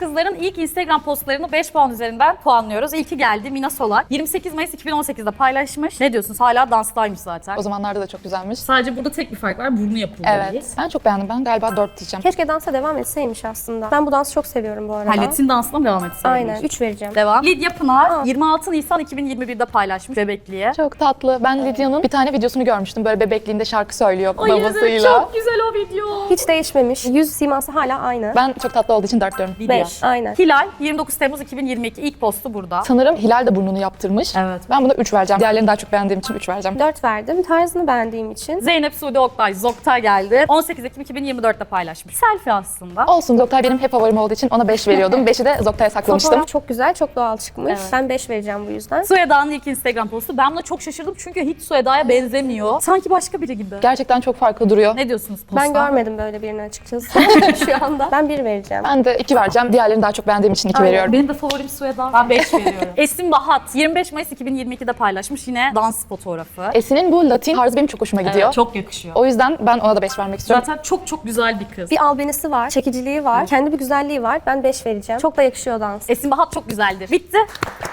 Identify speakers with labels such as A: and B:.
A: kızların ilk Instagram postlarını 5 puan üzerinden puanlıyoruz. İlki geldi Mina Solak. 28 Mayıs 2018'de paylaşmış. Ne diyorsunuz? Hala danstaymış zaten.
B: O zamanlarda da çok güzelmiş.
A: Sadece burada tek bir fark var. Burnu yapıldı.
B: Evet. Ben çok beğendim. Ben galiba 4 diyeceğim.
C: Keşke dansa devam etseymiş aslında. Ben bu dansı çok seviyorum bu arada.
A: Hallet'in dansına mı devam etseymiş?
C: Aynen. 3 vereceğim.
A: Devam. Lidya Pınar 26 Nisan 2021'de paylaşmış Bebekli'ye.
B: Çok tatlı. Ben Lidya'nın bir tane videosunu görmüştüm. Böyle bebekliğinde şarkı söylüyor
A: Ay evet,
B: babasıyla.
A: çok güzel o video.
C: Hiç değişmemiş. Yüz siması hala aynı.
B: Ben çok tatlı olduğu için 4 diyorum.
A: Lidya.
C: 5. Aynen.
A: Hilal 29 Temmuz 2022 ilk postu burada.
B: Sanırım Hilal de burnunu yaptırmış.
A: Evet.
B: Ben buna 3 vereceğim. Diğerlerini daha çok beğendiğim için 3 vereceğim.
C: 4 verdim. Tarzını beğendiğim için.
A: Zeynep Suudi Oktay Zokta geldi. 18 Ekim 2024'te paylaşmış. Selfie aslında.
B: Olsun, Zoktay benim hep favorim olduğu için ona 5 veriyordum. 5'i de Zoktay'a saklamıştım.
C: Fotoğraf çok güzel, çok doğal çıkmış.
A: Evet.
C: Ben 5 vereceğim bu yüzden.
A: Sueda'nın ilk Instagram postu. Ben buna çok şaşırdım çünkü hiç Sueda'ya benzemiyor. Sanki başka biri gibi.
B: Gerçekten çok farklı duruyor.
A: Ne diyorsunuz posta?
C: Ben görmedim böyle birini açıkçası şu anda. Ben 1 vereceğim.
B: Ben de 2 vereceğim. Diğerlerini daha çok beğendiğim için 2
C: Aynen.
B: veriyorum.
A: Benim de favorim Sueda. Ben 5 veriyorum. Esin Bahat 25 Mayıs 2022'de paylaşmış yine dans fotoğrafı.
B: Esin'in bu Latin tarzı benim çok hoşuma gidiyor.
A: Evet, çok yakışıyor.
B: O yüzden ben ona da 5 vermek istiyorum.
A: Zaten çok çok güzel bir kız.
C: Bir albenisi var, çekiciliği var, kendi bir güzelliği var. Ben 5 vereceğim. Çok da yakışıyor dans.
A: Esin Bahat çok güzeldir. Bitti.